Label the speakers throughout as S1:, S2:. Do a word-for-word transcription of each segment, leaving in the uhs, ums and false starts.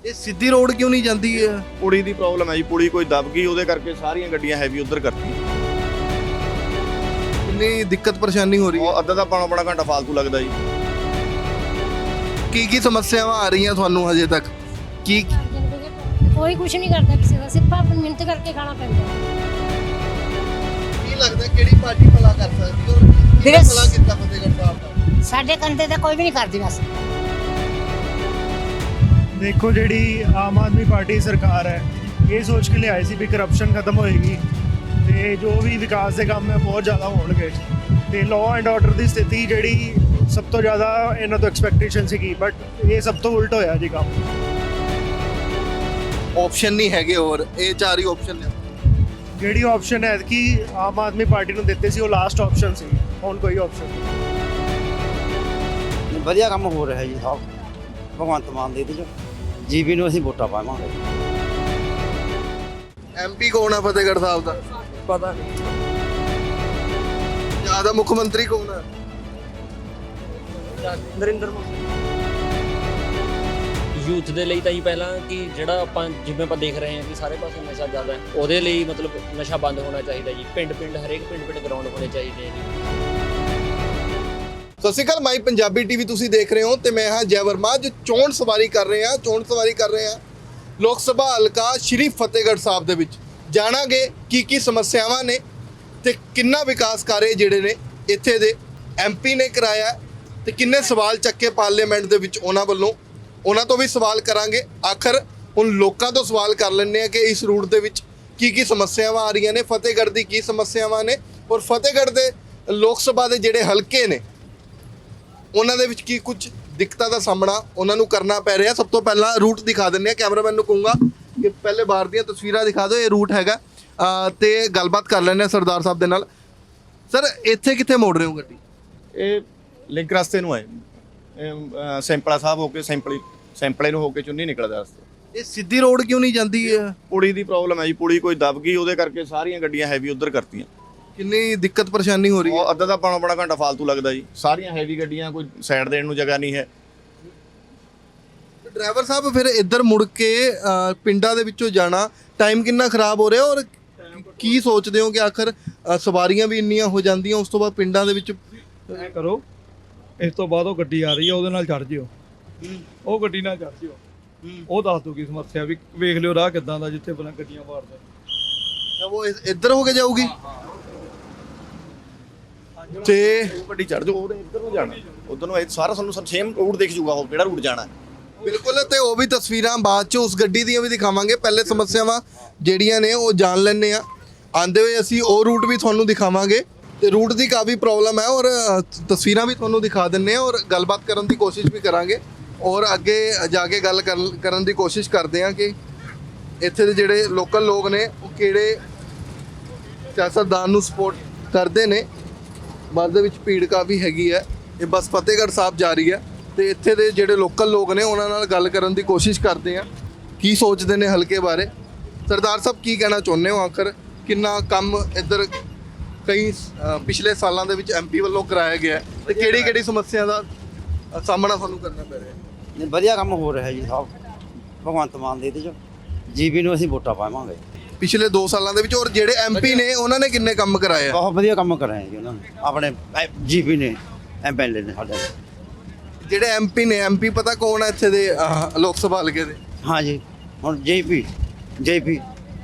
S1: ਇਹ ਸਿੱਧੀ ਰੋਡ ਕਿਉਂ ਨਹੀਂ ਜਾਂਦੀ ਹੈ?
S2: ਪੁਲੀ ਦੀ ਪ੍ਰੋਬਲਮ ਹੈ ਜੀ। ਪੁਲੀ ਕੋਈ ਦਬ ਗਈ, ਉਹਦੇ ਕਰਕੇ ਸਾਰੀਆਂ ਗੱਡੀਆਂ ਹੈਵੀ ਉਧਰ ਕਰਤੀਆਂ।
S1: ਕਿੰਨੀ ਦਿੱਕਤ ਪਰੇਸ਼ਾਨੀ ਹੋ ਰਹੀ ਹੈ?
S2: ਉਹ ਅੱਧਾ ਤਾਂ ਪੌਣਾ ਪੌਣਾ ਘੰਟਾ ਫਾਲਤੂ ਲੱਗਦਾ ਜੀ।
S1: ਕੀ ਕੀ ਸਮੱਸਿਆਵਾਂ ਆ ਰਹੀਆਂ ਤੁਹਾਨੂੰ ਹਜੇ ਤੱਕ? ਕੀ
S3: ਕੋਈ ਕੁਝ ਨਹੀਂ ਕਰਦਾ ਕਿਸੇ ਦਾ, ਸਿਰਫ ਆਪਣੀ ਮਿਹਨਤ ਕਰਕੇ ਖਾਣਾ ਪੈਂਦਾ।
S1: ਕੀ ਲੱਗਦਾ ਕਿਹੜੀ ਪਾਰਟੀ ਭਲਾ ਕਰ ਸਕਦੀ ਔਰ
S3: ਵੀਰੇ,
S1: ਕਿਹਨੇ ਭਲਾ ਕੀਤਾ ਫਤਿਹਗੜ੍ਹ ਸਾਹਿਬ ਦਾ?
S3: ਸਾਡੇ ਕੰਦੇ ਤਾਂ ਕੋਈ ਵੀ ਨਹੀਂ ਕਰਦੀ ਬਸ।
S4: ਦੇਖੋ ਜਿਹੜੀ ਆਮ ਆਦਮੀ ਪਾਰਟੀ ਸਰਕਾਰ ਹੈ ਇਹ ਸੋਚ ਕੇ ਲਿਆਈ ਸੀ ਵੀ ਕਰਪਸ਼ਨ ਖਤਮ ਹੋਏਗੀ ਤੇ ਜੋ ਵੀ ਵਿਕਾਸ ਦੇ ਕੰਮ ਹੈ ਬਹੁਤ ਜ਼ਿਆਦਾ ਹੋਣਗੇ ਤੇ ਲਾਅ ਐਂਡ ਆਰਡਰ ਦੀ ਸਥਿਤੀ ਜਿਹੜੀ ਸਭ ਤੋਂ ਜ਼ਿਆਦਾ ਇਹਨਾਂ ਤੋਂ ਐਕਸਪੈਕਟੇਸ਼ਨ ਸੀਗੀ, ਬਟ ਇਹ ਸਭ ਤੋਂ ਉਲਟ ਹੋਇਆ ਜੀ ਕੰਮ।
S1: ਆਪਸ਼ਨ ਨਹੀਂ ਹੈਗੇ ਹੋਰ, ਇਹ ਚਾਰ ਹੀ ਆਪਸ਼ਨ ਨੇ।
S4: ਜਿਹੜੀ ਆਪਸ਼ਨ ਹੈ ਕਿ ਆਮ ਆਦਮੀ ਪਾਰਟੀ ਨੂੰ ਦਿੱਤੇ ਸੀ ਉਹ ਲਾਸਟ ਆਪਸ਼ਨ ਸੀ, ਹੁਣ ਕੋਈ ਆਪਸ਼ਨ ਨਹੀਂ।
S5: ਵਧੀਆ ਕੰਮ ਹੋ ਰਿਹਾ ਜੀ ਸਾਹਿਬ ਭਗਵੰਤ ਮਾਨ ਦੇ ਇਹਦੇ 'ਚ ਜੀਬੀ ਨੂੰ ਅਸੀਂ ਵੋਟਾਂ ਪਾਵਾਂਗੇ।
S1: ਐਮਪੀ ਕੌਣ ਆ ਫਤਿਹਗੜ੍ਹ ਸਾਹਿਬ ਦਾ?
S6: ਪਤਾ ਨਹੀਂ।
S1: ਜਿਆਦਾ ਮੁੱਖ ਮੰਤਰੀ ਕੌਣ ਆ?
S6: ਨਰਿੰਦਰ ਮੋਦੀ। ਯੂਥ ਦੇ ਲਈ ਤਾਂ ਜੀ ਪਹਿਲਾਂ ਕਿ ਜਿਹੜਾ ਆਪਾਂ ਜਿਵੇਂ ਆਪਾਂ ਦੇਖ ਰਹੇ ਹਾਂ ਕਿ ਸਾਰੇ ਪਾਸੇ ਨਸ਼ਾ ਜ਼ਿਆਦਾ ਹੈ, ਉਹਦੇ ਲਈ ਮਤਲਬ ਨਸ਼ਾ ਬੰਦ ਹੋਣਾ ਚਾਹੀਦਾ ਜੀ। ਪਿੰਡ ਪਿੰਡ ਹਰੇਕ ਪਿੰਡ ਪਿੰਡ ਗਰਾਊਂਡ ਹੋਣੇ ਚਾਹੀਦੇ ਆ ਜੀ।
S1: ਸਤਿ ਸ਼੍ਰੀ ਅਕਾਲ, ਮਾਈ ਪੰਜਾਬੀ ਟੀਵੀ ਤੁਸੀਂ ਦੇਖ ਰਹੇ ਹੋ ਤੇ ਮੈਂ ਹਾਂ ਜੈ ਵਰਮਾ। ਜੋ ਚੋਣ ਸਵਾਰੀ ਕਰ ਰਹੇ ਹਾਂ ਚੋਣ ਸਵਾਰੀ ਕਰ ਰਹੇ ਹਾਂ ਲੋਕ ਸਭਾ ਹਲਕਾ ਸ਼੍ਰੀ ਫਤਿਹਗੜ੍ਹ ਸਾਹਿਬ ਦੇ ਵਿੱਚ। ਜਾਣਾਂਗੇ ਕੀ ਕੀ ਸਮੱਸਿਆਵਾਂ ਨੇ ਤੇ ਕਿੰਨਾ ਵਿਕਾਸ ਕਾਰਜ ਜਿਹੜੇ ਨੇ ਇੱਥੇ ਦੇ ਐਮਪੀ ਨੇ ਕਰਾਇਆ ਤੇ ਕਿੰਨੇ ਸਵਾਲ ਚੱਕੇ ਪਾਰਲੀਮੈਂਟ ਦੇ ਵਿੱਚ ਉਹਨਾਂ ਵੱਲੋਂ। ਉਹਨਾਂ ਤੋਂ ਵੀ ਸਵਾਲ ਕਰਾਂਗੇ। ਆਖਰ ਹੁਣ ਲੋਕਾਂ ਤੋਂ ਸਵਾਲ ਕਰ ਲੈਂਦੇ ਆ ਕਿ ਇਸ ਰੂਟ ਦੇ ਵਿੱਚ ਕੀ ਕੀ ਸਮੱਸਿਆਵਾਂ ਆ ਰਹੀਆਂ ਨੇ, ਫਤਿਹਗੜ੍ਹ ਦੀ ਕੀ ਸਮੱਸਿਆਵਾਂ ਨੇ ਔਰ ਫਤਿਹਗੜ੍ਹ ਦੇ ਲੋਕ ਸਭਾ ਦੇ ਜਿਹੜੇ ਹਲਕੇ ਨੇ ਉਹਨਾਂ ਦੇ ਵਿੱਚ ਕੀ ਕੁਝ ਦਿੱਕਤਾਂ ਦਾ ਸਾਹਮਣਾ ਉਹਨਾਂ ਨੂੰ ਕਰਨਾ ਪੈ ਰਿਹਾ। ਸਭ ਤੋਂ ਪਹਿਲਾਂ ਰੂਟ ਦਿਖਾ ਦਿੰਦੇ ਆ। ਕੈਮਰਾਮੈਨ ਨੂੰ ਕਹੂੰਗਾ ਕਿ ਪਹਿਲੇ ਬਾਹਰ ਦੀਆਂ ਤਸਵੀਰਾਂ ਦਿਖਾ ਦਿਓ। ਇਹ ਰੂਟ ਹੈਗਾ ਅਹ ਤੇ ਗੱਲਬਾਤ ਕਰ ਲੈਂਦੇ ਆ ਸਰਦਾਰ ਸਾਹਿਬ ਦੇ ਨਾਲ। ਸਰ ਇੱਥੇ ਕਿੱਥੇ ਮੋੜ ਰਹੇ ਹੋ ਗੱਡੀ?
S2: ਇਹ ਲਿੰਕ ਰਸਤੇ ਨੂੰ ਆਏ ਇਹ ਸੈਂਪਲਾ ਸਾਹਿਬ ਹੋ ਕੇ ਸੈਂਪਲੀ ਸੈਂਪਲੇ ਨੂੰ ਹੋ ਕੇ ਚੁੰਨੀ ਨਿਕਲਦਾ ਰਸਤੇ।
S1: ਇਹ ਸਿੱਧੀ ਰੋਡ ਕਿਉਂ ਨਹੀਂ ਜਾਂਦੀ ਹੈ?
S2: ਪੁਲੀ ਦੀ ਪ੍ਰੋਬਲਮ ਹੈ ਜੀ। ਪੁਲੀ ਕੋਈ ਦਬ ਗਈ, ਉਹਦੇ ਕਰਕੇ ਸਾਰੀਆਂ ਗੱਡੀਆਂ ਹੈਵੀ ਉਧਰ ਕਰਤੀਆਂ।
S1: ਕਿੰਨੀ ਦਿੱਕਤ ਪਰੇਸ਼ਾਨੀ ਹੋ ਰਹੀ ਹੈ?
S2: ਉਹ ਅੱਧਾ ਤਾਂ ਪੌਣਾ ਪੌਣਾ ਘੰਟਾ ਫਾਲਤੂ ਲੱਗਦਾ ਜੀ। ਸਾਰੀਆਂ ਹੈਵੀ ਗੱਡੀਆਂ, ਕੋਈ ਸਾਈਡ ਦੇਣ ਨੂੰ ਜਗ੍ਹਾ ਨਹੀਂ ਹੈ।
S1: ਡਰਾਈਵਰ ਸਾਹਿਬ ਫਿਰ ਇੱਧਰ ਮੁੜ ਕੇ ਅਹ, ਪਿੰਡਾਂ ਦੇ ਵਿੱਚੋਂ ਜਾਣਾ ਟਾਈਮ ਕਿੰਨਾ ਖਰਾਬ ਹੋ ਰਿਹਾ ਔਰ ਕੀ ਸੋਚਦੇ ਹੋ ਕਿ ਆਖਰ ਅਹ, ਸਵਾਰੀਆਂ ਵੀ ਇੰਨੀਆਂ ਹੋ ਜਾਂਦੀਆਂ ਉਸ ਤੋਂ ਬਾਅਦ ਪਿੰਡਾਂ ਦੇ ਵਿੱਚ
S7: ਐ ਕਰੋ, ਇਸ ਤੋਂ ਬਾਅਦ ਉਹ ਗੱਡੀ ਆ ਰਹੀ ਹੈ ਉਹਦੇ ਨਾਲ ਚੜ ਜਿਓ। ਉਹ ਗੱਡੀ ਨਾਲ ਚੜ ਜਿਓ, ਉਹ ਦੱਸ ਦੂਗੀ ਸਮੱਸਿਆ ਵੀ ਵੇਖ ਲਿਓ ਰਾਹ ਕਿੱਦਾਂ ਦਾ ਜਿੱਥੇ ਬਣਾ ਗੱਡੀਆਂ ਮਾਰਦਾ।
S1: ਉਹ ਇ- ਇੱਧਰ ਹੋ ਕੇ ਜਾਊਗੀ ਤੇ
S2: ਉਹ ਗੱਡੀ ਚੜ ਜਾਓ, ਉਹਦੇ ਇੱਧਰ ਨੂੰ ਜਾਣਾ, ਉਧਰ ਨੂੰ ਇਹ ਸਾਰਾ ਸਾਨੂੰ ਸੇਮ ਰੂਟ ਦਿਖ ਜੂਗਾ ਉਹ ਕਿਹੜਾ ਰੂਟ ਜਾਣਾ।
S1: ਬਿਲਕੁਲ। ਤੇ ਉਹ ਵੀ ਤਸਵੀਰਾਂ ਬਾਅਦ ਚ ਉਸ ਗੱਡੀ ਦੀਆਂ ਵੀ ਦਿਖਾਵਾਂਗੇ। ਪਹਿਲੇ ਸਮੱਸਿਆਵਾਂ ਜਿਹੜੀਆਂ ਨੇ ਉਹ ਜਾਣ ਲੈਣੇ ਆ। ਆਂਦੇ ਹੋਏ ਅਸੀਂ ਉਹ ਰੂਟ ਵੀ ਤੁਹਾਨੂੰ ਦਿਖਾਵਾਂਗੇ ਤੇ ਰੂਟ ਦੀ ਕਾਫੀ ਪ੍ਰੋਬਲਮ ਹੈ ਔਰ ਅ, ਤਸਵੀਰਾਂ ਵੀ ਤੁਹਾਨੂੰ ਦਿਖਾ ਦਿੰਨੇ ਆ ਔਰ ਗੱਲਬਾਤ ਕਰਨ ਦੀ ਕੋਸ਼ਿਸ਼ ਵੀ ਕਰਾਂਗੇ ਔਰ ਅੱਗੇ ਜਾ ਕੇ ਗੱਲ ਕਰਨ ਕਰਨ ਦੀ ਕੋਸ਼ਿਸ਼ ਕਰਦੇ ਆ ਕਿ ਇੱਥੇ ਦੇ ਜਿਹੜੇ ਲੋਕਲ ਲੋਕ ਨੇ ਉਹ ਕਿਹੜੇ ਸਿਆਸਤਦਾਨ ਨੂੰ ਸਪੋਰਟ ਕਰਦੇ ਨੇ। ਬੱਸ ਦੇ ਵਿੱਚ ਭੀੜ ਕਾਫੀ ਹੈਗੀ ਹੈ। ਇਹ ਬੱਸ ਫਤਿਹਗੜ੍ਹ ਸਾਹਿਬ ਜਾ ਰਹੀ ਹੈ ਤੇ ਇੱਥੇ ਦੇ ਜਿਹੜੇ ਲੋਕਲ ਲੋਕ ਨੇ ਉਹਨਾਂ ਨਾਲ ਗੱਲ ਕਰਨ ਦੀ ਕੋਸ਼ਿਸ਼ ਕਰਦੇ ਆ ਕੀ ਸੋਚਦੇ ਨੇ ਹਲਕੇ ਬਾਰੇ। ਸਰਦਾਰ ਸਾਹਿਬ ਕੀ ਕਹਿਣਾ ਚਾਹੁੰਦੇ ਹੋ? ਆਖਰ ਕਿੰਨਾ ਕੰਮ ਇੱਧਰ ਕਈ ਅ, ਪਿਛਲੇ ਸਾਲਾਂ ਦੇ ਵਿੱਚ ਐਮਪੀ ਵੱਲੋਂ ਕਰਾਇਆ ਗਿਆ ਹੈ ਤੇ ਕਿਹੜੀ ਕਿਹੜੀ ਸਮੱਸਿਆ ਦਾ ਅ, ਸਾਹਮਣਾ ਸਾਨੂੰ ਕਰਨਾ ਪੈ ਰਿਹਾ ਹੈ?
S5: ਨਹੀਂ ਵਧੀਆ ਕੰਮ ਹੋ ਰਿਹਾ ਜੀ ਸਾਹਿਬ ਭਗਵੰਤ ਮਾਨ ਦੇ ਇਹਦੇ 'ਚ ਜੀਬੀ ਨੂੰ ਅਸੀਂ ਵੋਟਾਂ ਪਾਵਾਂਗੇ।
S1: ਪਿਛਲੇ ਦੋ ਸਾਲਾਂ ਦੇ ਵਿੱਚ ਔਰ ਜਿਹੜੇ ਐਮਪੀ ਨੇ ਉਹਨਾਂ ਨੇ ਕਿੰਨੇ ਕੰਮ ਕਰਾਏ ਆ?
S5: ਬਹੁਤ ਵਧੀਆ ਕੰਮ ਕਰਾਏ ਜੀ ਉਹਨਾਂ ਨੇ ਆਪਣੇ ਜੀਬੀ ਨੇ, ਐਮਐਲਏ ਨੇ ਸਾਡੇ।
S1: ਜਿਹੜੇ ਐਮਪੀ ਨੇ, ਐਮਪੀ ਪਤਾ ਕੌਣ ਹੈ ਇੱਥੇ ਦੇ ਅ, ਲੋਕ ਸਭਾ ਹਲਕੇ ਦੇ?
S5: ਹਾਂ ਜੀ, ਹੁਣ ਜੇਪੀ ਜੇਪੀ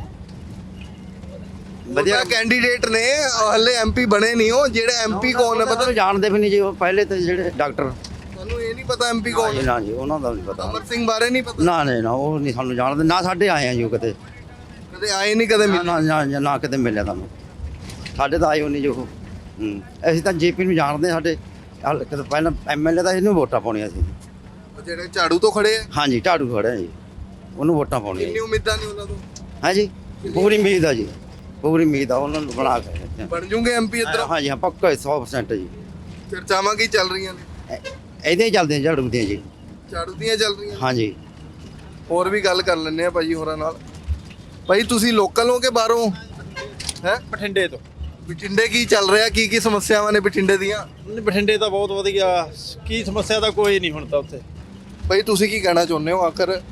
S1: ਵਧੀਆ ਕੈਂਡੀਡੇਟ ਨੇ, ਹਲੇ ਐਮਪੀ ਬਣੇ ਨਹੀਂ। ਉਹ ਜਿਹੜੇ ਐਮਪੀ ਕੌਣ ਹੈ ਪਤਾ?
S5: ਜਾਣਦੇ ਵੀ ਨਹੀਂ ਜੀ ਉਹ ਪਹਿਲੇ ਤੇ ਜਿਹੜੇ ਡਾਕਟਰ।
S1: ਤੁਹਾਨੂੰ ਇਹ ਨਹੀਂ ਪਤਾ ਐਮਪੀ ਕੌਣ ਹੈ?
S5: ਨਾ ਜੀ ਉਹਨਾਂ ਦਾ ਨਹੀਂ ਪਤਾ।
S1: ਅਮਰ ਸਿੰਘ ਬਾਰੇ ਨਹੀਂ ਪਤਾ?
S5: ਨਾ ਨਹੀਂ ਨਾ ਉਹ ਨਹੀਂ ਸਾਨੂੰ ਜਾਣਦੇ, ਨਾ ਸਾਡੇ ਆਏ ਆ ਜੀ ਉਹ ਕਦੇ।
S1: ਕਦੇ ਆਏ ਨਹੀਂ, ਕਦੇ
S5: ਨਾ
S1: ਮਿਲੇ?
S5: ਨਾ ਨਾ ਨਾ ਕਿਤੇ ਮਿਲਿਆ ਤੁਹਾਨੂੰ। ਸਾਡੇ ਤਾਂ ਆਏ ਹੋ ਨਹੀਂ ਜੋ ਉਹ। ਹੂੰ ਅਸੀਂ ਤਾਂ ਜੇਪੀ ਨੂੰ ਜਾਣਦੇ ਹਾਂ। ਸਾਡੇ ਹਲਕੇ ਤੋਂ ਪਹਿਲਾਂ ਐਮਐਲਏ ਦਾ ਇਹਨੂੰ ਵੋਟਾਂ ਪਾਉਣੀਆਂ ਸੀ।
S1: ਉਹ ਜਿਹੜੇ ਝਾੜੂ ਤੋਂ ਖੜੇ ਆ,
S5: ਹਾਂਜੀ ਢਾੜੂ ਖੜਿਆ ਜੀ, ਉਹਨੂੰ ਵੋਟਾਂ ਪਾਉਣੀਆਂ
S1: ਕਿੰਨੀ ਉਮੀਦਾਂ ਨੇ ਉਹਨਾਂ ਤੋਂ?
S5: ਹਾਂਜੀ ਪੂਰੀ ਉਮੀਦ ਆ ਜੀ, ਪੂਰੀ ਉਮੀਦ ਆ ਉਹਨਾਂ ਨੂੰ ਬਣਾ ਕੇ।
S1: ਬਣ ਜੂਗੇ ਐਮਪੀ ਇੱਧਰ?
S5: ਹਾਂਜੀ ਹਾਂ ਪੱਕਾ ਸੌ ਪਰਸੈਂਟ ਜੀ।
S1: ਚਰਚਾਵਾਂ ਕੀ ਚੱਲ ਰਹੀਆਂ ਨੇ?
S5: ਇਹ- ਇਹਦੇ ਹੀ ਚੱਲਦੇ ਝਾੜੂ ਦੀਆਂ ਜੀ।
S1: ਝਾੜੂ ਦੀਆਂ ਚੱਲ ਰਹੀਆਂ?
S5: ਹਾਂਜੀ
S1: ਹੋਰ ਵੀ ਗੱਲ ਕਰ ਲੈਂਦੇ ਆ ਭਾਜੀ ਹੋਰਾਂ ਨਾਲ। ਭਾਈ ਤੁਸੀਂ ਲੋਕਲ ਹੋ ਕਿ ਬਾਹਰੋਂ? ਹੈ
S8: ਬਠਿੰਡੇ ਤੋਂ।
S1: ਬਠਿੰਡੇ ਕੀ ਚੱਲ ਰਿਹਾ? ਕੀ ਕੀ ਸਮੱਸਿਆਵਾਂ ਨੇ ਬਠਿੰਡੇ ਦੀਆਂ?
S8: ਬਠਿੰਡੇ ਤਾਂ ਬਹੁਤ ਵਧੀਆ, ਕੀ ਸਮੱਸਿਆ ਤਾਂ ਕੋਈ ਨਹੀਂ ਹੁਣ ਤਾਂ ਉੱਥੇ।
S1: ਭਾਈ ਤੁਸੀਂ ਕੀ ਕਹਿਣਾ ਚਾਹੁੰਦੇ ਹੋ? ਆਖਰ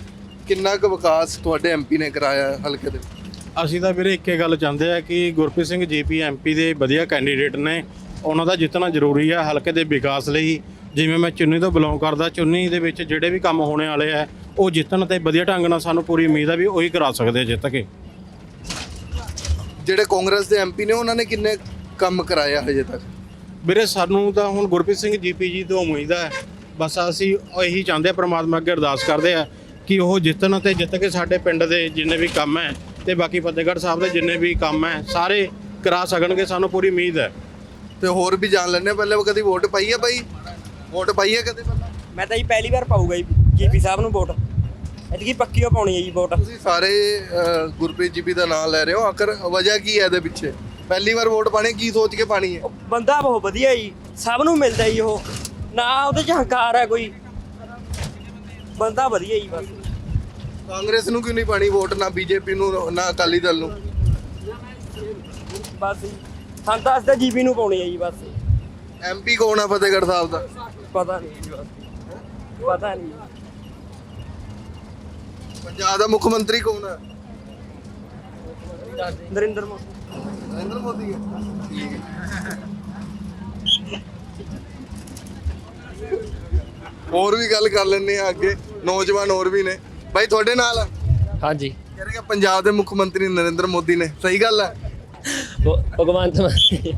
S1: ਕਿੰਨਾ ਕੁ ਵਿਕਾਸ ਤੁਹਾਡੇ ਐਮਪੀ ਨੇ ਕਰਾਇਆ ਹੈ ਹਲਕੇ ਦੇ ਵਿੱਚ?
S8: ਅਸੀਂ ਤਾਂ ਵੀਰੇ ਇੱਕੇ ਗੱਲ ਚਾਹੁੰਦੇ ਆ ਕਿ ਗੁਰਪ੍ਰੀਤ ਸਿੰਘ ਜੀਪੀ ਐਮਪੀ ਦੇ ਵਧੀਆ ਕੈਂਡੀਡੇਟ ਨੇ, ਉਹਨਾਂ ਦਾ ਜਿੱਤਣਾ ਜ਼ਰੂਰੀ ਆ ਹਲਕੇ ਦੇ ਵਿਕਾਸ ਲਈ। ਜਿਵੇਂ ਮੈਂ ਚੁੰਨੀ ਤੋਂ ਬਿਲੋਂਗ ਕਰਦਾ, ਚੁੰਨੀ ਦੇ ਵਿੱਚ ਜਿਹੜੇ ਵੀ ਕੰਮ ਹੋਣੇ ਵਾਲੇ ਆ ਉਹ ਜਿੱਤਣ ਤੇ ਵਧੀਆ ਢੰਗ ਨਾਲ ਸਾਨੂੰ ਪੂਰੀ ਉਮੀਦ ਆ ਵੀ ਉਹੀ ਕਰਾ ਸਕਦੇ ਆ ਜਿੱਤ ਕੇ।
S1: ਜਿਹੜੇ ਕਾਂਗਰਸ ਦੇ ਐਮਪੀ ਨੇ ਉਹਨਾਂ ਨੇ ਕਿੰਨੇ ਕੰਮ ਕਰਾਇਆ ਹਜੇ ਤੱਕ?
S8: ਵੀਰੇ ਸਾਨੂੰ ਤਾਂ ਹੁਣ ਗੁਰਪ੍ਰੀਤ ਸਿੰਘ ਜੀਪੀ ਜੀ ਤੋਂ ਉਮੀਦ ਹੈ, ਬਸ ਅਸੀਂ ਇਹੀ ਚਾਹੁੰਦੇ ਆ, ਪ੍ਰਮਾਤਮਾ ਅੱਗੇ ਅਰਦਾਸ ਕਰਦੇ ਆ ਕਿ ਉਹ ਜਿੱਤਣ ਤੇ ਜਿੱਤ ਕੇ ਸਾਡੇ ਪਿੰਡ ਦੇ ਜਿੰਨੇ ਵੀ ਕੰਮ ਹੈ ਤੇ ਬਾਕੀ ਫਤਿਹਗੜ੍ਹ ਸਾਹਿਬ ਦੇ ਜਿੰਨੇ ਵੀ ਕੰਮ ਹੈ ਸਾਰੇ ਕਰਾ ਸਕਣਗੇ, ਸਾਨੂੰ ਪੂਰੀ ਉਮੀਦ ਹੈ।
S1: ਤੇ ਹੋਰ ਵੀ ਜਾਣ ਲੈਣੇ ਪਹਿਲੇ ਕਦੀ ਵੋਟ ਪਾਈ ਹੈ ਬਾਈ? ਵੋਟ ਪਾਈ ਹੈ ਕਦੇ ਪਹਿਲਾਂ?
S9: ਮੈਂ ਤਾਂ ਜੀ ਪਹਿਲੀ ਵਾਰ ਪਾਊਗਾ ਜੀ ਜੀਪੀ ਸਾਹਿਬ ਨੂੰ ਵੋਟ, ਐਤਕੀ ਪੱਕੀ ਓ ਪਾਉਣੀ ਹੈ ਜੀ ਵੋਟ।
S1: ਤੁਸੀਂ ਸਾਰੇ ਅਹ, ਗੁਰਪ੍ਰੀਤ ਜੀਪੀ ਦਾ ਨਾਮ ਲੈ ਰਹੇ ਹੋ, ਆਖਰ ਵਜ੍ਹਾ ਕੀ ਹੈ ਇਹਦੇ ਪਿੱਛੇ? ਪਹਿਲੀ ਵਾਰ ਵੋਟ ਪਾਣੀ ਕੀ ਸੋਚ ਕੇ ਪਾਣੀ ਹੈ?
S9: ਉਹ ਬੰਦਾ ਬਹੁਤ ਵਧੀਆ ਜੀ, ਸਭ ਨੂੰ ਮਿਲਦਾ ਜੀ, ਉਹ ਨਾ ਉਹਦੇ 'ਚ ਹੰਕਾਰ ਹੈ ਕੋਈ, ਬੰਦਾ ਵਧੀਆ ਜੀ ਬਸ।
S1: ਕਾਂਗਰਸ ਨੂੰ ਕਿਉਂ ਨਹੀਂ ਪਾਣੀ ਵੋਟ, ਨਾ ਬੀਜੇਪੀ ਨੂੰ ਨਾ ਅਕਾਲੀ ਦਲ ਨੂੰ?
S9: ਬਸ ਜੀ ਹਾਂ ਤਾਂ ਅਸੀਂ ਤਾਂ ਜੀਪੀ ਨੂੰ ਪਾਉਣੀ ਹੈ ਜੀ ਬਸ।
S1: ਐਮਪੀ ਕੌਣ ਆ ਫਤਿਹਗੜ੍ਹ ਸਾਹਿਬ ਦਾ?
S9: ਪਤਾ ਨਹੀਂ ਜੀ ਬਸ, ਪਤਾ ਨਹੀਂ।
S1: ਪੰਜਾਬ ਦਾ ਮੁੱਖ ਮੰਤਰੀ ਕੌਣ ਹੈ?
S9: ਨਰਿੰਦਰ ਮੋਦੀ।
S1: ਨਰਿੰਦਰ ਮੋਦੀ ਹੈ। ਠੀਕ ਹੈ। ਹੋਰ ਵੀ ਗੱਲ ਕਰ ਲੈਣੇ ਆ ਅੱਗੇ, ਨੌਜਵਾਨ ਹੋਰ ਵੀ ਨੇ ਬਾਈ ਤੁਹਾਡੇ ਨਾਲ ਆ।
S6: ਹਾਂਜੀ
S1: ਕਹਿ ਰਹੇ ਕਿ ਪੰਜਾਬ ਦੇ ਮੁੱਖ ਮੰਤਰੀ ਨਰਿੰਦਰ ਮੋਦੀ ਨੇ, ਸਹੀ ਗੱਲ ਹੈ?
S6: ਭ- ਭਗਵੰਤ ਮਾਨ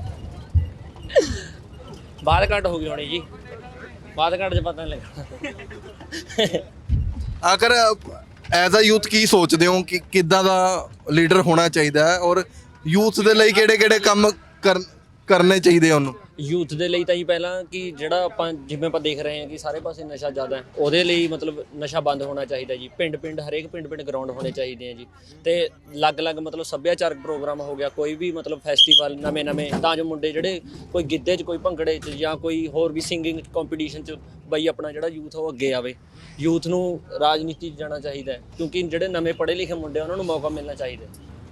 S6: ਬਾਦ ਘੱਟ ਹੋ ਗਈ ਹੋਣੀ ਜੀ, ਬਾਦ ਘੱਟ 'ਚ ਪਤਾ ਨਹੀਂ ਲੱਗਣਾ।
S1: ਆਖਰ ਐਜ਼ ਅ ਯੂਥ ਕੀ ਸੋਚਦੇ ਹੋ ਕਿ ਕਿੱਦਾਂ ਦਾ ਲੀਡਰ ਹੋਣਾ ਚਾਹੀਦਾ ਹੈ ਔਰ ਯੂਥ ਦੇ ਲਈ ਕਿਹੜੇ ਕਿਹੜੇ ਕੰਮ ਕਰਨ ਕਰਨੇ ਚਾਹੀਦੇ ਆ ਉਹਨੂੰ?
S6: ਯੂਥ ਦੇ ਲਈ ਤਾਂ ਜੀ ਪਹਿਲਾਂ ਕਿ ਜਿਹੜਾ ਆਪਾਂ ਜਿਵੇਂ ਆਪਾਂ ਦੇਖ ਰਹੇ ਹਾਂ ਕਿ ਸਾਰੇ ਪਾਸੇ ਨਸ਼ਾ ਜ਼ਿਆਦਾ ਹੈ, ਉਹਦੇ ਲਈ ਮਤਲਬ ਨਸ਼ਾ ਬੰਦ ਹੋਣਾ ਚਾਹੀਦਾ ਜੀ। ਪਿੰਡ ਪਿੰਡ ਹਰੇਕ ਪਿੰਡ ਪਿੰਡ ਗਰਾਊਂਡ ਹੋਣੇ ਚਾਹੀਦੇ ਆ ਜੀ, ਤੇ ਅਲੱਗ-ਅਲੱਗ ਮਤਲਬ ਸੱਭਿਆਚਾਰਕ ਪ੍ਰੋਗਰਾਮ ਹੋ ਗਿਆ, ਕੋਈ ਵੀ ਮਤਲਬ ਫੈਸਟੀਵਲ ਨਵੇਂ ਨਵੇਂ, ਤਾਂ ਜੋ ਮੁੰਡੇ ਜਿਹੜੇ ਕੋਈ ਗਿੱਧੇ 'ਚ, ਕੋਈ ਭੰਗੜੇ 'ਚ ਜਾਂ ਕੋਈ ਹੋਰ ਵੀ ਸਿੰਗਿੰਗ ਕੰਪੀਟੀਸ਼ਨ 'ਚ ਬਈ ਆਪਣਾ ਜਿਹੜਾ ਯੂਥ ਉਹ ਅੱਗੇ ਆਵੇ। ਯੂਥ ਨੂੰ ਰਾਜਨੀਤੀ 'ਚ ਜਾਣਾ ਚਾਹੀਦਾ ਹੈ, ਕਿਉਂਕਿ ਜਿਹੜੇ ਨਵੇਂ ਪੜ੍ਹੇ ਲਿਖੇ ਮੁੰਡੇ ਉਹਨਾਂ ਨੂੰ ਮੌਕਾ ਮਿਲਣਾ ਚਾਹੀਦਾ।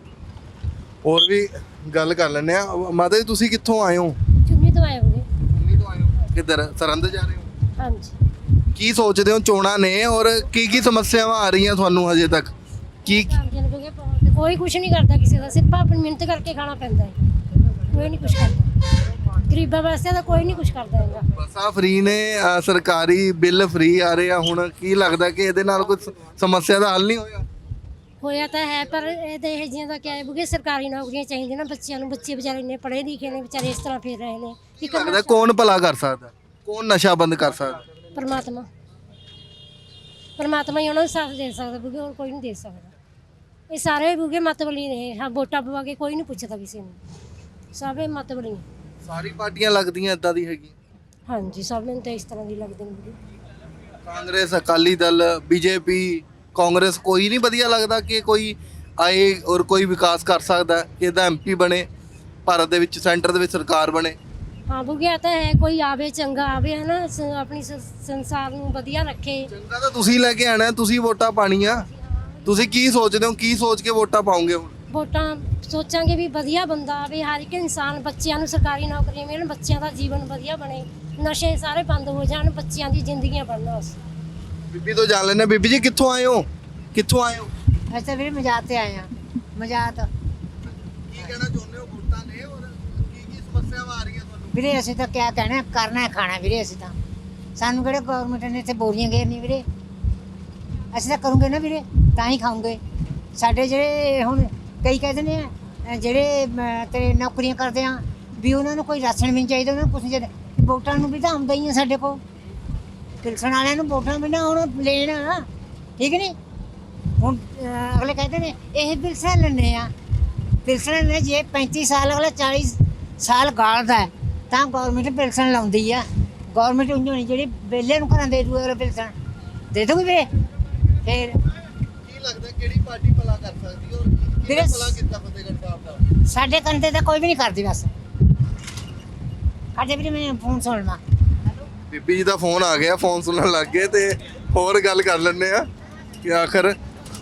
S1: ਹੋਰ ਵੀ ਗੱਲ ਕਰ ਲੈਂਦੇ ਆ। ਮਾਤਾ ਜੀ ਤੁਸੀਂ ਕਿੱਥੋਂ ਆਏ ਹੋ?
S3: ਚੁੰਨੀ ਤੋਂ ਆਏ ਹੋਗੇ।
S1: ਦਿੱਲੀ ਤੋਂ ਆਏ ਹੋ? ਕਿੱਧਰ ਸਰਹੰਦ ਜਾ ਰਹੇ ਹੋ?
S3: ਹਾਂਜੀ।
S1: ਕੀ ਸੋਚਦੇ ਹੋ ਚੋਣਾਂ ਨੇ ਔਰ ਕੀ ਕੀ ਸਮੱਸਿਆਵਾਂ ਆ ਰਹੀਆਂ ਤੁਹਾਨੂੰ ਹਜੇ ਤੱਕ? ਕੀ
S3: ਕਾਮਯਾਬ ਹੋ ਗਏ ਬਹੁਤ। ਕੋਈ ਕੁਝ ਨਹੀਂ ਕਰਦਾ ਕਿਸੇ ਦਾ, ਸਿਰਫ ਆਪਣੀ ਮਿਹਨਤ ਕਰਕੇ ਖਾਣਾ ਪੈਂਦਾ ਹੈ, ਕੋਈ ਨਹੀਂ ਕੁਝ ਕਰਦਾ। ਗਰੀਬਾਂ ਵਾਸਤੇ ਤਾਂ ਕੋਈ ਨਹੀਂ ਕੁਝ ਕਰਦਾ ਹੈਗਾ।
S1: ਬੱਸਾਂ ਫ੍ਰੀ ਨੇ, ਅਹ ਸਰਕਾਰੀ ਬਿੱਲ ਫ੍ਰੀ ਆ ਰਹੇ ਆ, ਹੁਣ ਕੀ ਲੱਗਦਾ ਕਿ ਇਹਦੇ ਨਾਲ ਕੋਈ ਸ- ਸਮੱਸਿਆ ਦਾ ਹੱਲ ਨਹੀਂ ਹੋਇਆ?
S3: ਹੋਇਆ ਤਾਂ ਹੈ, ਪਰ ਇਹਦੇ ਇਹ ਜਿਹੀਆਂ ਦਾ ਕਿਆ ਹੈ ਬੁਗੇ, ਸਰਕਾਰੀ ਨੌਕਰੀਆਂ ਚਾਹੀਦੀਆਂ ਨਾ ਬੱਚਿਆਂ ਨੂੰ। ਬੱਚੇ ਵਿਚਾਰੇ ਇੰਨੇ ਪੜ੍ਹੇ ਲਿਖੇ ਨੇ, ਵਿਚਾਰੇ ਇਸ ਤਰ੍ਹਾਂ ਫਿਰ ਰਹੇ ਨੇ। ਕੀ
S1: ਲੱਗਦਾ
S3: ਕਰਨਾ?
S1: ਕੌਣ ਭਲਾ ਕਰ ਸਕਦਾ? ਕੌਣ ਨਸ਼ਾ ਬੰਦ ਕਰ ਸਕਦਾ?
S3: ਪਰਮਾਤਮਾ ਪਰਮਾਤਮਾ ਹੀ ਉਹਨਾਂ ਨੂੰ ਸਾਥ ਦੇ ਸਕਦਾ ਬੁਗੇ, ਹੋਰ ਕੋਈ ਨਹੀਂ ਦੇ ਸਕਦਾ। ਇਹ ਸਾਰੇ ਬੁਗੇ ਮਤਬਲੀ ਨੇ। ਹਾਂ, ਵੋਟਾਂ ਪਵਾ ਕੇ ਕੋਈ ਨਹੀਂ ਪੁੱਛਦਾ ਕਿਸੇ ਨੂੰ, ਸਾਰੇ ਮਤਬਲੀ ਨੇ।
S1: ਸਾਰੀ ਪਾਰਟੀਆਂ ਲੱਗਦੀਆਂ ਇਦਾਂ ਦੀ ਹੈਗੀ?
S3: ਹਾਂਜੀ, ਸਭ ਨੂੰ ਤਾਂ ਇਸ ਤਰ੍ਹਾਂ ਦੀ ਲੱਗਦੇ ਨੇ ਬੁਗੇ।
S1: ਕਾਂਗਰਸ, ਅਕਾਲੀ ਦਲ, ਬੀਜੇਪੀ, ਕਾਂਗਰਸ, ਕੋਈ ਨਹੀਂ ਵਧੀਆ ਲੱਗਦਾ ਕਿ ਕੋਈ ਆਏ ਔਰ ਕੋਈ ਵਿਕਾਸ ਕਰ ਸਕਦਾ ਕਿ ਇਹਦਾ ਐਮਪੀ ਬਣੇ, ਭਾਰਤ ਦੇ ਵਿੱਚ ਸੈਂਟਰ ਦੇ ਵਿੱਚ ਸਰਕਾਰ ਬਣੇ?
S3: ਹਾਂ ਬੁਗੇ, ਤਾਂ ਹੈ ਕੋਈ ਆਵੇ ਚੰਗਾ ਆਵੇ, ਹੈ ਨਾ, ਸ- ਆਪਣੀ ਸ- ਸੰਸਾਰ ਨੂੰ ਵਧੀਆ ਰੱਖੇ।
S1: ਚੰਗਾ ਤਾਂ ਤੁਸੀਂ ਲੈ ਕੇ ਆਣਾ, ਤੁਸੀਂ ਵੋਟਾਂ ਪਾਣੀਆਂ। ਤੁਸੀਂ ਕੀ ਸੋਚਦੇ ਹੋ, ਕੀ ਸੋਚ ਕੇ ਵੋਟਾਂ ਪਾਉਂਗੇ ਹੁਣ?
S3: ਵੋਟਾਂ ਸੋਚਾਂਗੇ ਵੀ ਵਧੀਆ ਬੰਦਾ ਆਵੇ, ਹਰ ਇੱਕ ਇਨਸਾਨ, ਬੱਚਿਆਂ ਨੂੰ ਸਰਕਾਰੀ ਨੌਕਰੀਆਂ ਮਿਲਣ, ਬੱਚਿਆਂ ਦਾ ਜੀਵਨ ਵਧੀਆ ਬਣੇ, ਨਸ਼ੇ ਸਾਰੇ ਬੰਦ ਹੋ ਜਾਣ, ਬੱਚਿਆਂ ਦੀ ਜ਼ਿੰਦਗੀਆਂ ਬਣਨ। ਬਸ
S1: ਬੀਬੀ ਤੋਂ ਜਾਣ ਲੈਣੇ। ਬੀਬੀ ਜੀ ਕਿੱਥੋਂ ਆਏ ਹੋ? ਕਿੱਥੋਂ ਆਏ ਹੋ?
S10: ਅਸੀਂ ਤਾਂ ਵੀਰੇ ਮਜਾਤ ਤੇ ਆਏ ਆ। ਮਜਾਤ
S1: ਕੀ ਕਹਿਣਾ ਚਾਹੁੰਦੇ ਹੋ ਵੋਟਾਂ ਨੇ ਔਰ ਕੀ ਕੀ ਸਮੱਸਿਆਵਾਂ ਆ ਰਹੀਆਂ ਤੁਹਾਨੂੰ?
S10: ਵੀਰੇ ਅਸੀਂ ਤਾਂ ਕਿਆ ਕਹਿਣਾ, ਕਰਨਾ ਹੈ ਖਾਣਾ ਵੀਰੇ। ਅਸੀਂ ਤਾਂ, ਸਾਨੂੰ ਕਿਹੜੇ ਗਵਰਨਮੈਂਟ ਨੇ ਇੱਥੇ ਬੋਰੀਆਂ ਘੇਰਨੀ ਵੀਰੇ। ਅਸੀਂ ਤਾਂ ਕਰੂੰਗੇ ਨਾ ਵੀਰੇ, ਤਾਂ ਹੀ ਖਾਊਂਗੇ। ਸਾਡੇ ਜਿਹੜੇ ਹੁਣ ਕਈ ਕਹਿੰਦੇ ਨੇ ਅਹ ਜਿਹੜੇ ਅਮ, ਤੇ ਨੌਕਰੀਆਂ ਕਰਦੇ ਆ ਵੀ ਉਹਨਾਂ ਨੂੰ ਕੋਈ ਰਾਸ਼ਨ ਵੀ ਨਹੀਂ ਚਾਹੀਦਾ, ਉਹਨਾਂ ਨੂੰ ਕੁਛ ਨਹੀਂ ਚਾਹੀਦਾ। ਵੋਟਾਂ ਨੂੰ ਵੀ ਤਾਂ ਆਉਂਦਾ ਹੀ ਆ ਸਾਡੇ ਕੋਲ, ਪਿਲਸਣ ਵਾਲਿਆਂ ਨੂੰ ਵੋਟਾਂ ਵੀ ਨਾ ਹੁਣ ਲੈਣਾ, ਠੀਕ ਨਹੀਂ? ਹੁਣ ਅਹ, ਅਗਲੇ ਕਹਿੰਦੇ ਨੇ ਇਹ ਪਿਲਸਣ ਲੈਂਦੇ ਆ, ਪਿਲਸਣ ਨੇ ਜੇ ਪੈਂਤੀ ਸਾਲ ਅਗਲਾ ਚਾਲੀ ਸਾਲ ਗਾਲਦਾ ਹੈ ਤਾਂ ਗੌਰਮੈਂਟ ਪਿਲਸਣ ਲਾਉਂਦੀ ਆ। ਗੌਰਮੈਂਟ ਉਂਝ ਹੋਣੀ ਜਿਹੜੀ ਵਿਹਲੇ ਨੂੰ ਘਰਾਂ ਦੇ ਦੂ ਅਗਲੇ ਪਿਲਸਣ ਦੇ ਦੂਗੀ ਵੀਰੇ। ਫਿਰ
S1: ਕੀ ਲੱਗਦਾ ਕਿਹੜੀ ਪਾਰਟੀ ਭਲਾ ਕਰ ਸਕਦੀ ਔਰ ਕਿਹਨੇ
S10: ਵੀਰੇ
S1: ਭਲਾ ਕੀਤਾ ਫਤਿਹਗੜ੍ਹ ਸਾਹਿਬ ਦਾ?
S10: ਸਾਡੇ ਕੰਦੇ ਤਾਂ ਕੋਈ ਵੀ ਨਹੀਂ ਕਰਦੀ ਬਸ। ਸਾਡੇ ਵੀਰੇ ਮੈਂ ਫੋਨ ਸੁਣ ਲਵਾਂ।
S1: ਬੀਬੀ ਜੀ ਦਾ ਫੋਨ ਆ ਗਿਆ, ਫੋਨ ਸੁਣਨ ਲੱਗ ਗਏ ਤੇ ਹੋਰ ਗੱਲ ਕਰ ਲੈਂਦੇ ਆ ਕਿ ਆਖਰ